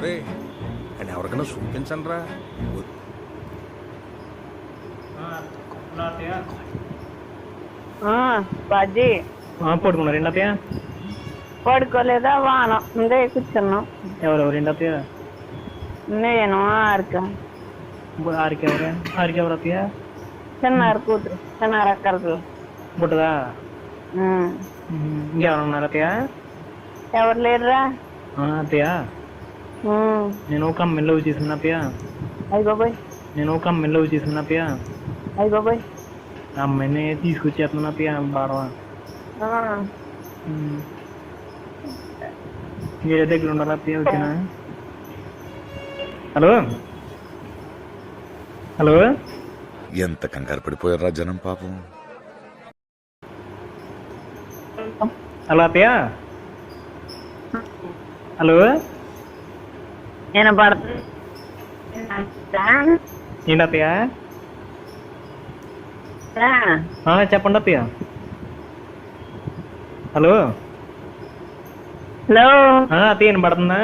రే అని ఎవరికైనా చూపించండి రా. బాజీ పడుకున్నారు ఏంటి అత్తయ్య? పడుకోలేదా? వాన ఉందే కూర్చున్నాం. ఎవరెవరు ఏంటి అత్తయ్య? నేను ఆరిక ఆరికెవరు అత్తయ్య? చిన్నారు కూతురు, చిన్నారు అక్కలు. పుట్టదా? ఇంకెవరు ఉన్నారు అత్తయ్య? ఎవరు లేరురా అత్తయ్య. నేను ఒక అమ్మాయిని లవ్ చేస్తున్నా అత్తయ్య. అయ్యి బాబాయ్. నేను ఒక అమ్మాయిని లవ్ చేస్తున్నా అత్తయ్య. అయ్యి బాబాయ్. ఆ అమ్మాయిని తీసుకొచ్చేస్తున్నా అత్తయ్య బాడవా. వేరే దగ్గర ఉండాలి అత్తయ్య. ఓకేనా? Hello hello. ఎంత కంగారు పడిపోయారా జనం పాపం. హలో అత్తయ్య. హలో. నేను పడుతుంది ఏంటి అత్తయ్య? చెప్పండి అత్తయ్య. హలో. హలో అత్తయ్య వినపడుతుందా?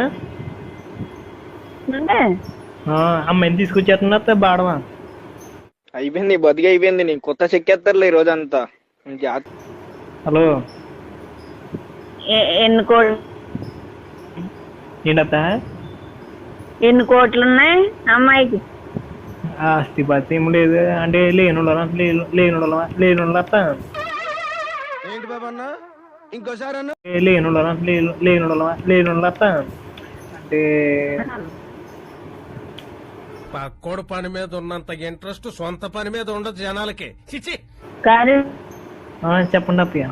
అమ్మాయిని తీసుకొచ్చేస్తున్నా అత్తయ్య బాడవా. అయిపోయింది, బతికి అయిపోయింది. నీకు కొత్త చెక్కేస్తారులే ఈ రోజంతా. హలో. ఎన్ని కోట్లు? ఏంటత్త? ఎన్ని కోట్లు ఉన్నాయి అమ్మాయికి? ఆస్తి పాస్తి ఏం లేదు అంటే లేను అత్త. ఏంటి బాబా అన్న ఇంకోసారి అన్న? లేను అత్త. అంటే పక్కోడు పని మీద ఉన్నంత ఇంట్రెస్ట్ సొంత పని మీద ఉండదు జనాలకి. చిచి. చెప్పండి అత్తయ్య.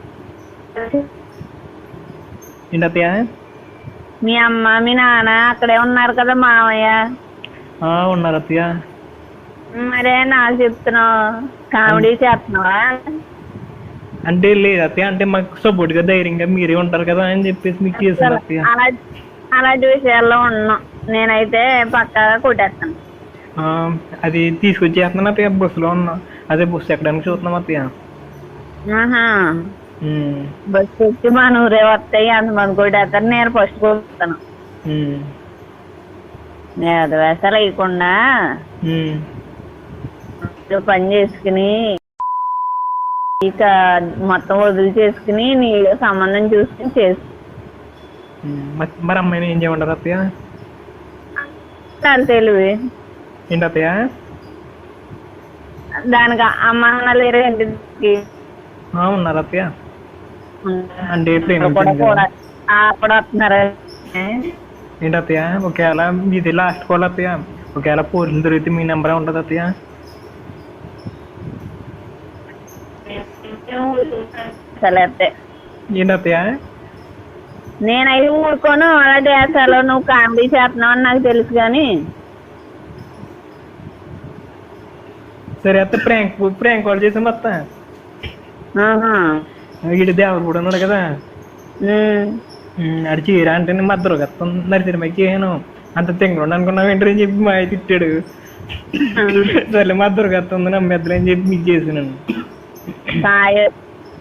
ఏంటి అత్తయ్య? మీ అమ్మ మీ నాన్న అక్కడే ఉన్నారు కదా మావయ్య. ఉన్నారు అత్తయ్య. మరే నాకు చెప్తున్నావు, కామెడీ చేస్తున్నావా? అంటే లేదు అత్తయ్య, అంటే మాకు సపోర్ట్ గా ధైర్యంగా మీరే ఉంటారు కదా అని చెప్పేసి మీకు చేశాను అత్తయ్య. అలాంటి విషయాల్లో ఉన్నాం. నేనైతే పక్కాగా కొట్టేస్తాను. అది తీసుకొచ్చేస్తున్నాను అత్తయ్య. బస్సులో ఉన్నా, అదే బస్సు ఎక్కడానికి చూస్తున్నాం అత్తయ్య. బస్సు వచ్చి మా ఊరే వస్తాయి, అంతమంది కొట్టేస్తారు. నేను ఫస్ట్ కొడుతాను. నేను వేసాలు వేయకుండా పని చేసుకుని ఇక మొత్తం వదిలి చేసుకుని నీళ్ళు సంబంధం చూసుకుని చేసు. మరి అమ్మాయిని ఏం చేయమంటారు అత్తయ్య? తెలివి ఏంటి అత్తయ్య? దానికి అమ్మ నాన్న లేరు ఇంటికి? ఉన్నారు అత్తయ్య. అంటే అప్పుడు వస్తున్నారు. ఏంటి అత్తయ్య? ఒకవేళ మీది లాస్ట్ కాల్ అత్తయ్య. ఒకవేళ పోలీసులు దొరికితే మీ నెంబరే ఉంటుంది అత్తయ్య. ఏంటి అత్తయ్య? నేనైతే ఊరుకోను. అలాంటి వేసాలో నువ్వు కామెడీ చేస్తున్నావు అని నాకు తెలుసు. కానీ సరే అత్త, ప్రాంక్ కాల్ చేసాం అత్త. వీడి దేవరు కూడా ఉన్నాడు కదా, అడి చీర అంటే మద్దరు కత్తం నరిసిరిమకి చేయను అంత తెంగడు అనుకున్నావు ఏంటని చెప్పి మా ఆయన తిట్టాడు. సరే మద్దరు కత్తుంది నమ్మేద్దరు అని చెప్పి మీకు చేసినాను.